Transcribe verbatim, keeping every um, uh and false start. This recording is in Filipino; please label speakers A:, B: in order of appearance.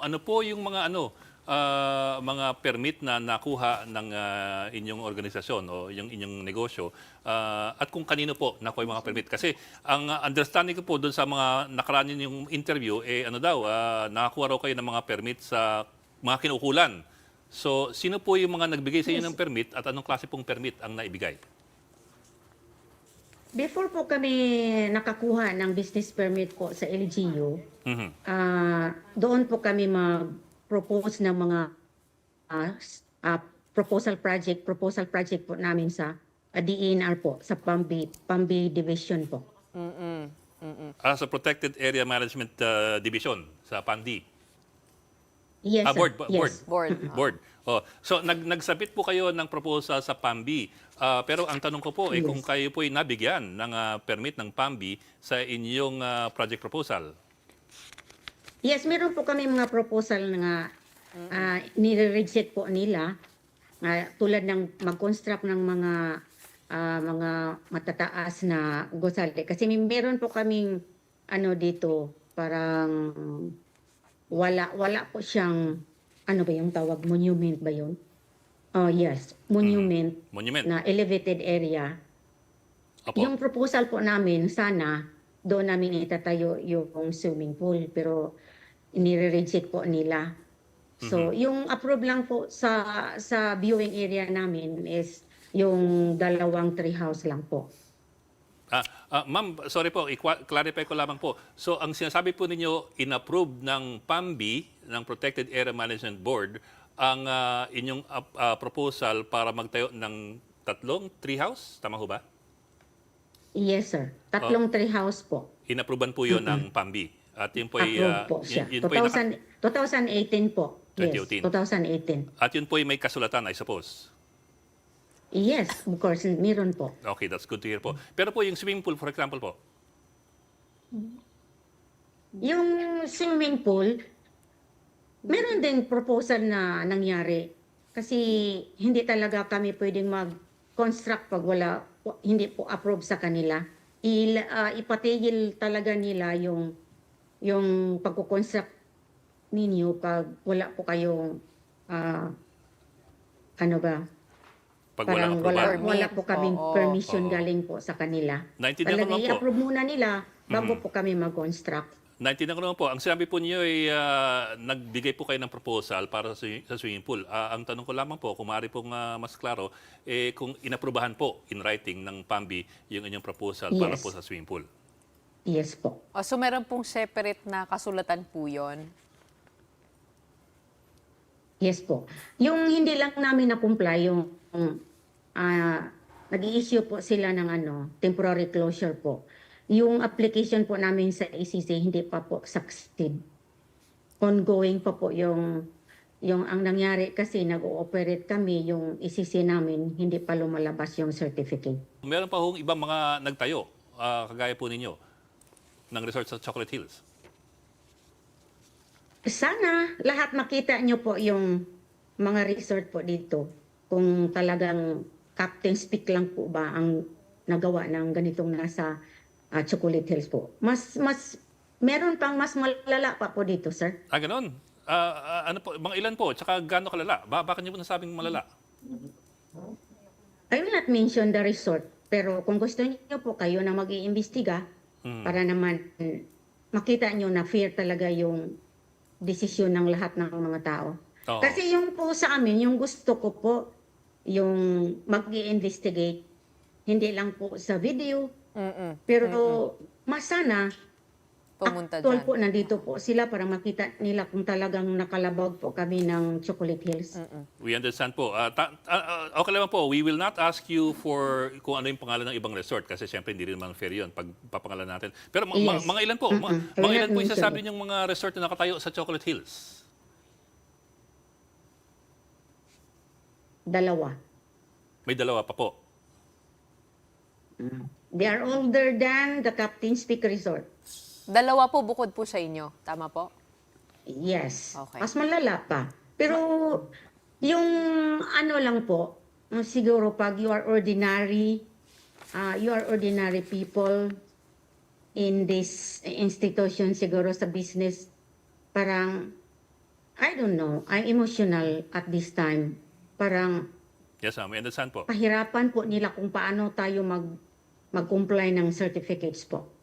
A: ano po yung mga ano ah, mga permit na nakuha ng ah, inyong organisasyon o yung inyong negosyo ah, at kung kanino po nakuha yung mga permit. Kasi ang ah, understanding ko po doon sa mga nakaraan yung interview, eh ano daw, ah, nakakuha raw kayo ng mga permit sa mga kinukulan. So, sino po yung mga nagbigay sa inyo
B: Yes.
A: ng permit at anong klase pong permit ang naibigay?
B: Before po kami nakakuha ng business permit po sa L G U,
A: Mhm.
B: ah, doon po kami mag-propose ng mga ah, s- ah, proposal project, proposal project po namin sa ah, D E N R po, sa Pambi, Pambi Division po.
C: Mm-mm. Mm-mm.
A: Ah, sa Protected Area Management ah, Division sa Pandi. Ah,
B: Yes, sir.
A: board, bo- board.
B: Yes.
C: Board.
A: Board. Oh, so nag nagsabit po kayo ng proposal sa Pambi. Ah, pero ang tanong ko po ay kung
B: Yes.
A: kayo po ay nabigyan ng ah, permit ng Pambi sa inyong ah, project proposal.
B: Yes, meron po kami mga proposal na uh, nire-reject po nila ah, tulad ng mag-construct ng mga ah, mga matataas na gusali. Kasi may- meron po kaming ano dito, parang wala wala po siyang ano ba yung tawag, monument ba yun? Oh, yes, monument
A: Monument.
B: na elevated area.
A: Opo.
B: Yung proposal po namin, sana doon namin itatayo yung swimming pool, pero nire-reject po nila. So, yung approve lang po sa sa viewing area namin is yung dalawang tree house lang po.
A: Ah, ah, ma'am, sorry po, i-clarify ko lamang po. So, ang sinasabi po ninyo, inapprove ng Pambi, ng Protected Area Management Board, ang ah, inyong ah, ah, proposal para magtayo ng tatlong treehouse? Tama ho ba?
B: Yes, sir. Tatlong tree house po.
A: Inapprovean po yun ng Pambi. At yun po ay,
B: Approve
A: ah,
B: po siya.
A: yun, yun po ay naka-
B: two thousand, twenty eighteen po.
A: twenty
B: Yes,
A: eighteen.
B: twenty eighteen.
A: at yun po ay may kasulatan, I suppose.
B: Yes, of course, meron po.
A: Okay, that's good to hear po. Pero po yung swimming pool, for example po,
B: Yung swimming pool, meron din proposal na nangyari. Kasi hindi talaga kami pwedeng mag-construct pag wala, hindi po approve sa kanila. Il, ah, ipatigil talaga nila yung yung pagko-construct ninyo pag wala po kayong ah, ano ba?
A: pag walang
B: Parang
A: approval.
B: wala,
C: Permit.
B: wala po kaming
C: Oo.
B: permission
A: Oo.
B: galing po sa kanila.
A: Naintindihan ko
B: Talaga
A: naman po.
B: i-approve muna nila bago po kami mag-construct.
A: Naintindihan ko naman po. Ang sinabi po niyo ay ah, nagbigay po kayo ng proposal para sa, sa swimming pool. Ah, ang tanong ko lamang po, kung maaari pong ah, mas klaro, eh, kung inaprubahan po in writing ng Pambi yung inyong proposal para
B: Yes.
A: po sa swimming pool.
B: Yes po.
C: Oh, so meron pong separate na kasulatan po yun?
B: Yes po. Yung hindi lang namin na-comply, yung ah nag-i-issue po sila ng ano, temporary closure po. Yung application po namin sa A C C hindi pa po succeed. Ongoing pa po yung yung ang nangyari kasi nag-ooperate kami, yung A C C namin hindi pa lumalabas yung certificate.
A: Meron pa hong ibang mga nagtayo, ah, kagaya po ninyo, ng resort sa Chocolate Hills.
B: Sana lahat makita nyo po yung mga resort po dito. Kung talagang captain speak lang po ba ang nagawa ng ganitong nasa ah, Chocolate Hills po. Mas, mas, meron pang mas malala pa po dito, sir.
A: Ah, ganun. Ah, ah, ano po, mga ilan po, tsaka gaano kalala? Ba bakit niyo po nasabing malala?
B: I will not mention the resort, pero kung gusto niyo po kayo na mag-iimbestiga,
A: Hmm.
B: para naman mm, makita nyo na fair talaga yung desisyon ng lahat ng mga tao.
A: Oo.
B: Kasi yung po sa amin, yung gusto ko po, yung mag-i-investigate, hindi lang po sa video,
C: Mm-mm.
B: pero mas sana,
C: Pumunta
B: actual
C: dyan.
B: po, nandito po sila para makita nila kung talagang nakalabag po kami ng Chocolate Hills.
A: We understand po. Ah, ta- ah, ah, okay lang po, we will not ask you for kung ano yung pangalan ng ibang resort kasi siyempre hindi rin naman fair yun pag papangalan natin. Pero ma- ma-
B: Yes.
A: mga ilan po? Ma-
B: Mm-mm. I will
A: mga ilan
B: not
A: po yung
B: mention
A: sasabi
B: it.
A: niyong mga resort na nakatayo sa Chocolate Hills?
B: Dalawa.
A: May dalawa pa po.
B: They are older than the Captain's Peak Resort.
C: Dalawa po bukod po sa inyo. Tama po?
B: Yes.
C: Okay.
B: Mas malala pa. Pero yung ano lang po, uh, siguro pag you are ordinary, uh, you are ordinary people in this institution, siguro sa business, parang I don't know, I'm emotional at this time. Parang
A: Yes, ma'am. I understand po.
B: pahirapan po nila kung paano tayo mag mag-comply ng certificates po.